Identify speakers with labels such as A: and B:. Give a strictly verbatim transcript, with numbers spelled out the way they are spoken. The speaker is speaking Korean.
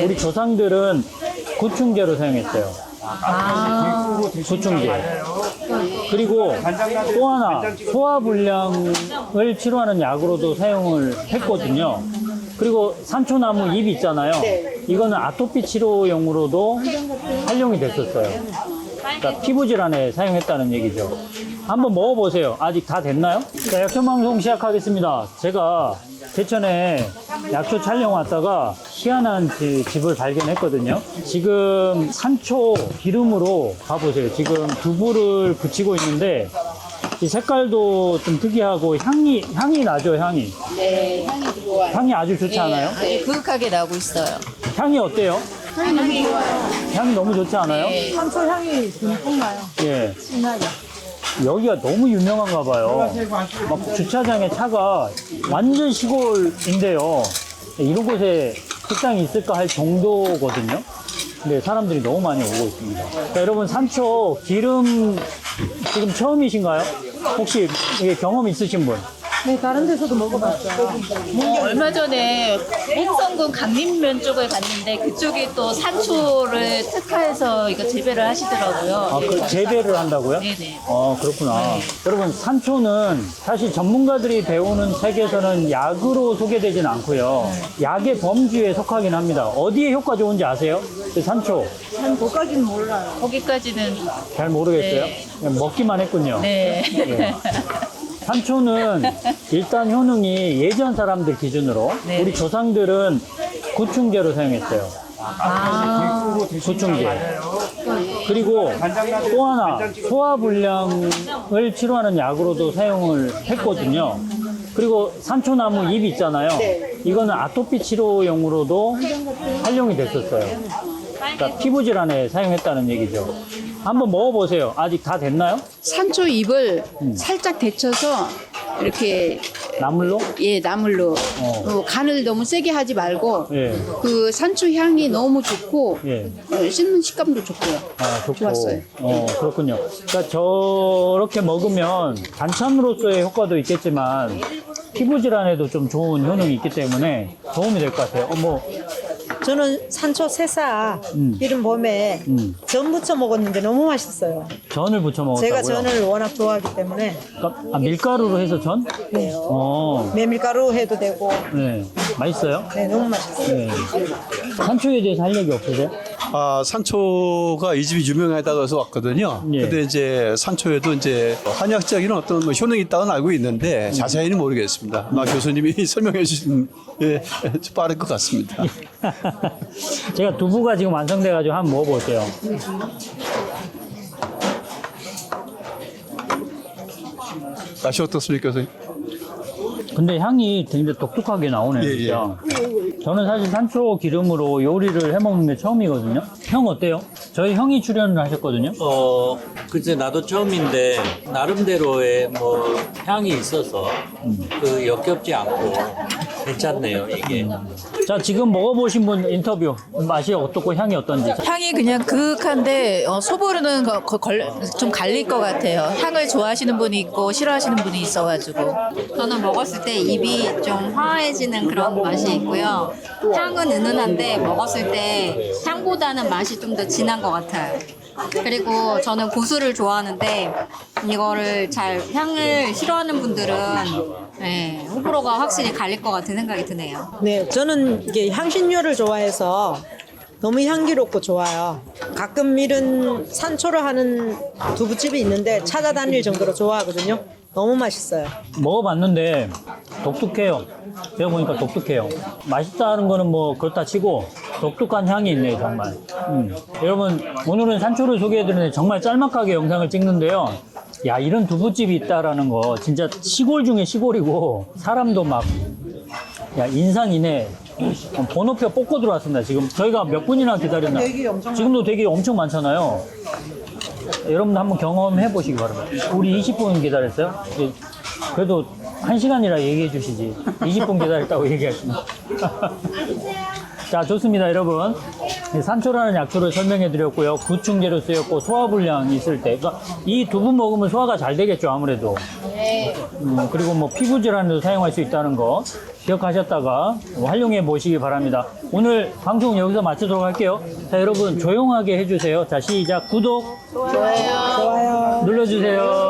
A: 네.
B: 우리 조상들은 구충제로 사용했어요.
A: 아,
B: 구충제. 그리고 또 하나 소화불량을 치료하는 약으로도 사용을 했거든요. 그리고 산초나무 잎 있잖아요. 이거는 아토피 치료용으로도 활용이 됐었어요. 그러니까 피부 질환에 사용했다는 얘기죠. 한번 먹어보세요. 아직 다 됐나요? 자, 약초 방송 시작하겠습니다. 제가 제천에 약초 촬영 왔다가 희한한 지- 집을 발견했거든요. 지금 산초 기름으로 봐보세요. 지금 두부를 붙이고 있는데 이 색깔도 좀 특이하고 향이 향이 나죠, 향이.
A: 네, 향이 좋아요.
B: 향이 아주 좋지 않아요?
A: 네, 그윽하게 나고 있어요.
B: 향이 어때요?
A: 향이 좋아요.
B: 향이 너무 좋지 않아요?
A: 네.
C: 산초 향이 듬뿍 나요.
B: 예.
C: 진하게.
B: 여기가 너무 유명한가 봐요. 막 주차장에 차가 완전 시골인데요. 이런 곳에 식당이 있을까 할 정도거든요. 근데 사람들이 너무 많이 오고 있습니다. 자, 여러분, 산초 기름 지금 처음이신가요? 혹시 이게 경험 있으신 분?
C: 네, 다른 데서도 먹어봤어요.
A: 어, 얼마 전에 행성군 강림면 쪽을 갔는데 그쪽에 또 산초를 특화해서 이거 재배를 하시더라고요.
B: 아, 그 재배를 한다고요?
A: 네네.
B: 아, 그렇구나. 여러분, 산초는 사실 전문가들이 배우는 책에서는 약으로 소개되진 않고요. 약의 범주에 속하긴 합니다. 어디에 효과 좋은지 아세요? 그 산초.
C: 난 그까진 몰라요.
A: 거기까지는
B: 잘 모르겠어요.
A: 네.
B: 그냥 먹기만 했군요.
A: 네.
B: 예. 산초는 일단 효능이 예전 사람들 기준으로
A: 네.
B: 우리 조상들은 구충제로 사용했어요.
A: 아,
B: 구충제. 그리고 또 하나 소화불량을 치료하는 약으로도 사용을 했거든요. 그리고 산초나무 잎 있잖아요. 이거는 아토피 치료용으로도 활용이 됐었어요. 그러니까 피부 질환에 사용했다는 얘기죠. 한번 먹어보세요. 아직 다 됐나요?
D: 산초 잎을 살짝 데쳐서 이렇게
B: 나물로?
D: 예 나물로
B: 어.
D: 어, 간을 너무 세게 하지 말고
B: 예.
D: 그 산초 향이 너무 좋고
B: 예.
D: 어, 씹는 식감도 좋고요.
B: 아, 좋고.
D: 좋았어요.
B: 어, 그렇군요. 그러니까 저렇게 먹으면 반찬으로서의 효과도 있겠지만 피부 질환에도 좀 좋은 효능이 있기 때문에 도움이 될 것 같아요. 어, 뭐,
C: 저는 산초 새싹
B: 음.
C: 이른 봄에
B: 음,
C: 전 부쳐 먹었는데 너무 맛있어요.
B: 전을 부쳐 먹었다고요?
C: 제가 전을 워낙 좋아하기 때문에
B: 그러니까, 아, 밀가루로 해서 전?
C: 네.
B: 어,
C: 메밀가루 해도 되고
B: 네. 맛있어요?
C: 네, 너무 맛있어요.
B: 네. 산초에 대해서 할 얘기 없으세요?
E: 아, 산초가 이 집이 유명하다고 해서 왔거든요.
B: 예.
E: 근데 이제 산초에도 이제 한의학적인 어떤 뭐 효능이 있다고는 알고 있는데 자세히는 모르겠습니다. 아마 교수님이 설명해 주신 게 빠를 것 같습니다.
B: 제가 두부가 지금 완성돼가지고 한번 먹어볼게요.
E: 맛이 어떻습니까, 교수님?
B: 근데 향이 굉장히 독특하게 나오네요,
E: 예,
B: 진짜. 저는 사실 산초 기름으로 요리를 해먹는 게 처음이거든요. 형 어때요? 저희 형이 출연을 하셨거든요.
F: 어, 글쎄 나도 처음인데 나름대로의 뭐 향이 있어서 그 역겹지 않고 괜찮네요 이게.
B: 자, 지금 먹어보신 분 인터뷰. 맛이 어떻고 향이 어떤지.
A: 향이 그냥 그윽한데 어, 소보르는 거, 거, 걸, 좀 갈릴 것 같아요. 향을 좋아하시는 분이 있고 싫어하시는 분이 있어가지고.
G: 저는 먹었을 때 입이 좀 화해지는 그런 맛이 있고요. 향은 은은한데 먹었을 때 향보다는 맛이 좀 더 진한 것 같아요. 그리고 저는 고수를 좋아하는데 이거를 잘 향을 싫어하는 분들은 네, 호불호가 확실히 갈릴 것 같은 생각이 드네요.
C: 네, 저는 이게 향신료를 좋아해서 너무 향기롭고 좋아요. 가끔 이런 산초를 하는 두부집이 있는데 찾아다닐 정도로 좋아하거든요. 너무 맛있어요.
B: 먹어봤는데 독특해요. 제가 보니까 독특해요. 맛있다는 거는 뭐 그렇다 치고 독특한 향이 있네요, 정말. 음. 여러분, 오늘은 산초를 소개해드리는데 정말 짤막하게 영상을 찍는데요. 야, 이런 두부집이 있다라는 거 진짜 시골 중에 시골이고 사람도 막 야, 인상이네. 어, 번호표 뽑고 들어왔습니다. 지금 저희가 몇 분이나 기다렸나? 지금도 되게 엄청 많잖아요. 여러분도 한번 경험해 보시기 바랍니다. 우리 이십 분 기다렸어요? 그래도 한 시간이라 얘기해 주시지. 이십 분 기다렸다고 얘기하시면. 자, 좋습니다, 여러분. 산초라는 약초를 설명해 드렸고요. 구충제로 쓰였고 소화불량 있을 때. 그러니까 이 두부 먹으면 소화가 잘 되겠죠, 아무래도. 음, 그리고 뭐 피부 질환에도 사용할 수 있다는 거 기억하셨다가 활용해 보시기 바랍니다. 오늘 방송 여기서 마치도록 할게요. 자, 여러분 조용하게 해주세요. 자, 시작. 구독
C: 좋아요.
B: 눌러주세요.